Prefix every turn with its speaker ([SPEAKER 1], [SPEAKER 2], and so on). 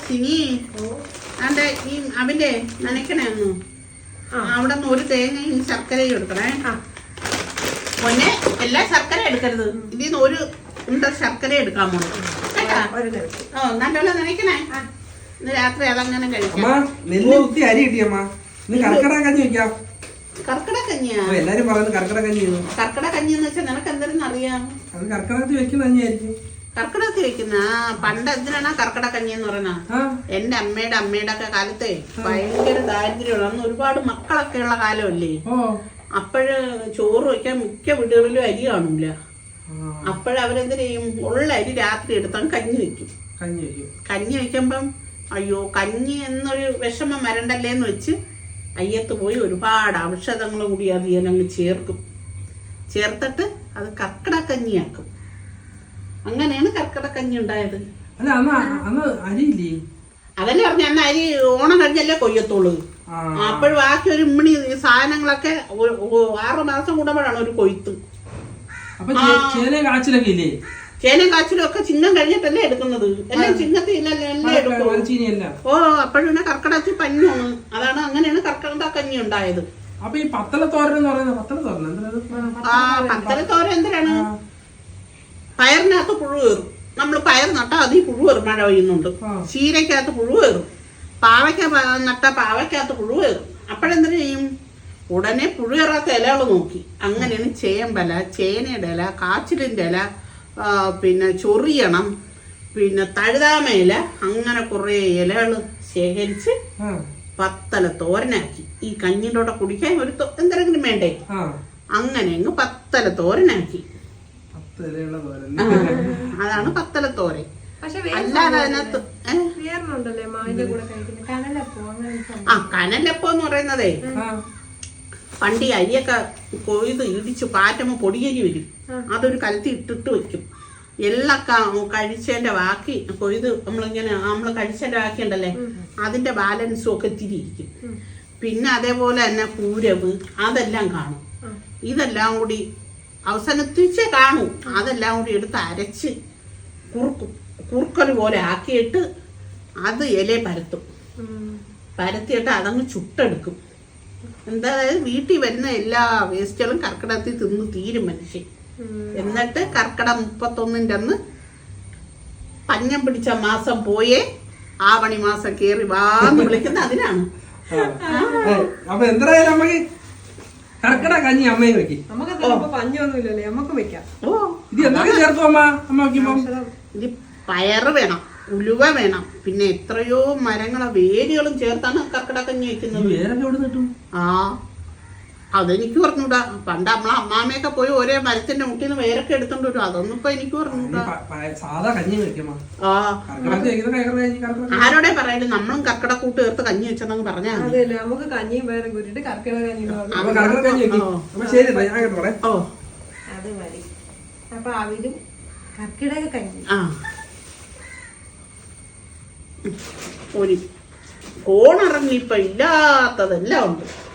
[SPEAKER 1] ഇനി അതെ ഈ അവന്റെ നനയ്ക്കണേ ഒന്ന് അവിടെ നിന്ന് ഒരു തേങ്ങയും ശർക്കരയും എടുക്കണേ. പൊന്നെ എല്ലാ ശർക്കര എടുക്കരുത്, ഇതിൽ നിന്ന് ഒരു ശർക്കര എടുക്കാൻ പോണു കേട്ടാ. നല്ലോണം നനയ്ക്കണേ. ഇന്ന് രാത്രി അതങ്ങനെ കഴിക്കാം. കർക്കിടക കഞ്ഞിയാ?
[SPEAKER 2] എല്ലാരും പറയുന്നത് കർക്കിടക കഞ്ഞി.
[SPEAKER 1] കർക്കിടക കഞ്ഞി എന്ന് വെച്ചാൽ നിനക്ക് എന്തെങ്കിലും അറിയാം?
[SPEAKER 2] അത് കർക്കിടകത്തിൽ വെക്കുന്ന കഞ്ഞിയായിരിക്കും.
[SPEAKER 1] കർക്കിടകത്തിൽ വെക്കുന്ന പണ്ട് എന്തിനാണ് കർക്കിടക കഞ്ഞി എന്ന് പറഞ്ഞ? എന്റെ അമ്മയുടെ ഒക്കെ കാലത്തെ ഭയങ്കര ദാരിദ്ര്യമുള്ള അന്ന് ഒരുപാട് മക്കളൊക്കെ ഉള്ള കാലമല്ലേ. അപ്പോഴ് ചോറ് വയ്ക്കാൻ മിക്ക വീടുകളിലും അരി കാണൂല. അപ്പോഴവരെന്ത് ചെയ്യും, ഉള്ള അരി രാത്രി എടുത്താൽ കഞ്ഞി വെക്കും. കഞ്ഞി വെക്കുമ്പം അയ്യോ കഞ്ഞി എന്നൊരു വിഷമം വരണ്ടല്ലേന്ന് വെച്ച് അയ്യത്ത് പോയി ഒരുപാട് ഔഷധങ്ങൾ കൂടി അത് അങ്ങ് ചേർക്കും. ചേർത്തിട്ട് അത് കർക്കിടക കഞ്ഞിയാക്കും. അങ്ങനെയാണ് കർക്കിടക കഞ്ഞി ഉണ്ടായത്. അതല്ലേ പറഞ്ഞ അന്ന് അരി ഓണം കഴിഞ്ഞല്ലേ കൊയ്യത്തുള്ളൂ. അപ്പോഴും ബാക്കി ഒരു ഇമ്മണി സാധനങ്ങളൊക്കെ 6 മാസം കൂടുമ്പോഴാണ് ഒരു കൊയ്ത്ത്. ചേനയും കാച്ചിലും ഒക്കെ ചിങ്ങം കഴിഞ്ഞിട്ടല്ലേ എടുക്കുന്നത്. എല്ലാം ചിങ്ങത്തിലല്ലേ എടുക്കും. അപ്പോഴും കർക്കിടകത്തിൽ പഞ്ഞാണ്. അതാണ് അങ്ങനെയാണ് കർക്കിടക കഞ്ഞി ഉണ്ടായത്.
[SPEAKER 2] അപ്പൊ ഈ പത്തലത്തോരൻ
[SPEAKER 1] പത്തലത്തോരൻ എന്തിനാണ്? പയറിനകത്ത് പുഴു കയറും. നമ്മൾ പയർ നട്ടാ അതിൽ പുഴു കയറും. മഴ പെയ്യുന്നുണ്ട്. ചീരക്കകത്ത് പുഴു കയറും. പാവയ്ക്ക നട്ടാ പാവയ്ക്കകത്ത് പുഴു കയറും. അപ്പോഴെന്തിനു ചെയ്യും? ഉടനെ പുഴു കയറാത്ത ഇലകൾ നോക്കി. അങ്ങനെയാണ് ചേമ്പല, ചേനയുടെ ഇല, കാച്ചിലിന്റെ ഇല, പിന്നെ ചൊറിയണം, പിന്നെ തഴുതാമയില, അങ്ങനെ കുറെ ഇലകൾ ശേഖരിച്ച് പത്തല തോരനാക്കി. ഈ കഞ്ഞിൻ്റെ കൂടെ കുടിക്കാൻ ഒരു എന്തെങ്കിലും വേണ്ടേ, അങ്ങനെ അങ്ങ് പത്തല തോരനാക്കി. അതാണ് പത്തല തോരൻ. അല്ലാതെ അതിനകത്ത് കനലപ്പം എന്ന് പറയുന്നതേ പണ്ട് ഈ അരിയൊക്കെ കൊയ്ത് ഇടിച്ച് പാറ്റമ്മ പൊടിയരി വരും. അതൊരു കലത്തി ഇട്ടിട്ട് വെക്കും. എല്ലാം കഴിച്ചതിന്റെ ബാക്കി കൊയ്ത് നമ്മൾ കഴിച്ചതിന്റെ ബാക്കി ഉണ്ടല്ലേ, അതിന്റെ ബാലൻസും ഒക്കെ തിരിയിരിക്കും. പിന്നെ അതേപോലെ തന്നെ പൂരവ് അതെല്ലാം കാണും. ഇതെല്ലാം കൂടി അവസാനത്തിച്ചേ കാണൂ. അതെല്ലാം കൂടി എടുത്ത് അരച്ച് കുറുക്കൽ പോലെ ആക്കിയിട്ട് അത് ഇല പരത്തും. പരത്തിയിട്ട് അതങ്ങ് ചുട്ടെടുക്കും. എന്തായത് വീട്ടിൽ വരുന്ന എല്ലാ വേസ്റ്റുകളും കർക്കിടകത്തിൽ തിന്ന് തീരും മനുഷ്യൻ. എന്നിട്ട് കർക്കിടക 31 അന്ന് പഞ്ഞം പിടിച്ച മാസം പോയേ ആവണി മാസം കേറി വാന്ന് വിളിക്കുന്ന അതിനാണ്.
[SPEAKER 2] അപ്പൊ എന്തായാലും അമ്മക്ക് കർക്കിടക കഞ്ഞി അമ്മയും വെക്കും.
[SPEAKER 3] പഞ്ഞൊന്നുമില്ലല്ലേ, നമുക്ക് വെക്കാം.
[SPEAKER 2] ഇത് എന്തൊക്കെ ചേർക്കും അമ്മ? അമ്മ വെക്കുമ്പോ
[SPEAKER 1] ഇത് പയറ് വേണം, ഉലുവ വേണം, പിന്നെ എത്രയോ മരങ്ങളെ വേരുകളും ചേർത്താണ് കർക്കിടക കഞ്ഞി വെക്കുന്നത്. അതെനിക്ക് പറഞ്ഞൂടാ. പണ്ട് നമ്മളെ അമ്മാമ്മയൊക്കെ പോയി ഒരേ മരത്തിന്റെ മുട്ടിന്ന് വേരൊക്കെ എടുത്തോണ്ട് വരും. അതൊന്നും ഇപ്പൊ എനിക്ക് പറഞ്ഞൂടാ. ആരോടെ പറയാണ്ട് നമ്മളും കർക്കിടക കൂട്ട് ചേർത്ത് കഞ്ഞി വെച്ചെന്നങ്ങ് പറഞ്ഞാൽ
[SPEAKER 3] നമുക്ക് കഞ്ഞിയും വേറെ കൂട്ടിട്ട് കർക്കിടക കഞ്ഞി. അത് മതി. അപ്പൊ അവരും കർക്കിടക കഞ്ഞി.
[SPEAKER 1] ഒരു കോണിറങ്ങി ഇപ്പൊ ഇല്ലാത്തതെല്ലാം ഉണ്ട്.